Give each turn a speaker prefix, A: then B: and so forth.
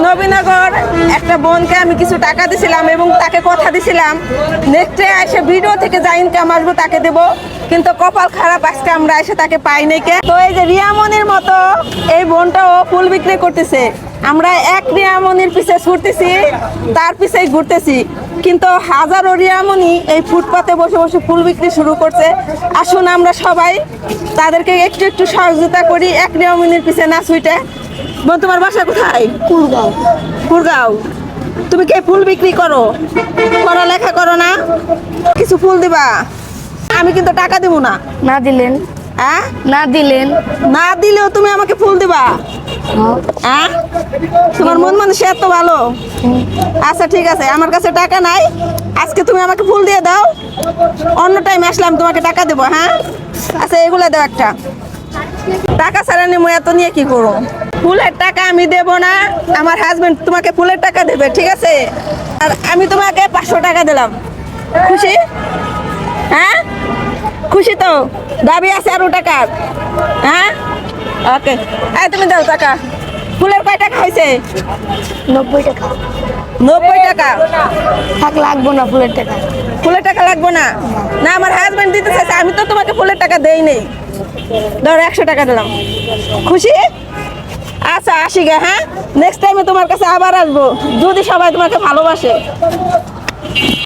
A: নবীনগর একটা বোনকে আমি কিছু টাকা দিছিলাম এবং তাকে কথা দিছিলাম নেক্সটে এসে ভিডিও থেকে যা ইনকাম আসবো তাকে দেব, কিন্তু কপাল খারাপ আজকে আমরা এসে তাকে পাই নাই কে। তো এই যে রিয়ামনির মতো এই বোনটাও ফুল বিক্রি করতেছে, আমরা এক রিয়ামনির পিছে ছুটতেছি, তার পিছেই ঘুরতেছি, কিন্তু হাজারো রিয়ামনি এই ফুটপাতে বসে বসে ফুল বিক্রি শুরু করছে। আসুন আমরা সবাই তাদেরকে একটু একটু সহযোগিতা করি, এক রিয়ামনির পিছে না ছুটে। বোন, তোমার বাসা কোথায়?
B: কুড়গাঁও।
A: কুড়গাঁও। তুমি কি ফুল বিক্রি করো? পড়ালেখা করো না? কিছু ফুল দিবা, আমি কিন্তু টাকা দিব না।
B: না দিলেন?
A: হ্যাঁ,
B: না দিলেন?
A: না দিলেও তুমি আমাকে ফুল দিবা? হ্যাঁ, তোমার মন মানুষ এত ভালো। আচ্ছা ঠিক আছে, আমার কাছে টাকা নাই, আজকে তুমি আমাকে ফুল দিয়ে দাও, অন্য টাইম আসলাম তোমাকে টাকা দেবো। হ্যাঁ আচ্ছা, এগুলো দাও একটা। টাকা ছাড়া নিয়ে এত নিয়ে কি করো? ফুলের টাকা আমি দেব না, আমার হাজবেন্ড তোমাকে ফুলের টাকা দেবে, ঠিক আছে? আর আমি তোমাকে 500 টাকা দিলাম, খুশি? হ্যাঁ খুশি তো? দাবি আছে আরো টাকার? হ্যাঁ ওকে, এই তুমি দাও টাকা। ফুলের কয় টাকা হয়েছে?
B: 90 টাকা।
A: 90 টাকা?
B: থাক, লাগবো না ফুলের টাকা।
A: ফুলের টাকা লাগবে না? না, আমার হাজবেন্ড দিতে চাইছে, আমি তো তোমাকে ফুলের টাকা দেই নেই। ধরো 100 টাকা দিলাম, খুশি? আচ্ছা আসি গে। হ্যাঁ, নেক্সট টাইমে তোমার কাছে আবার আসবো যদি সবাই তোমাকে ভালোবাসে।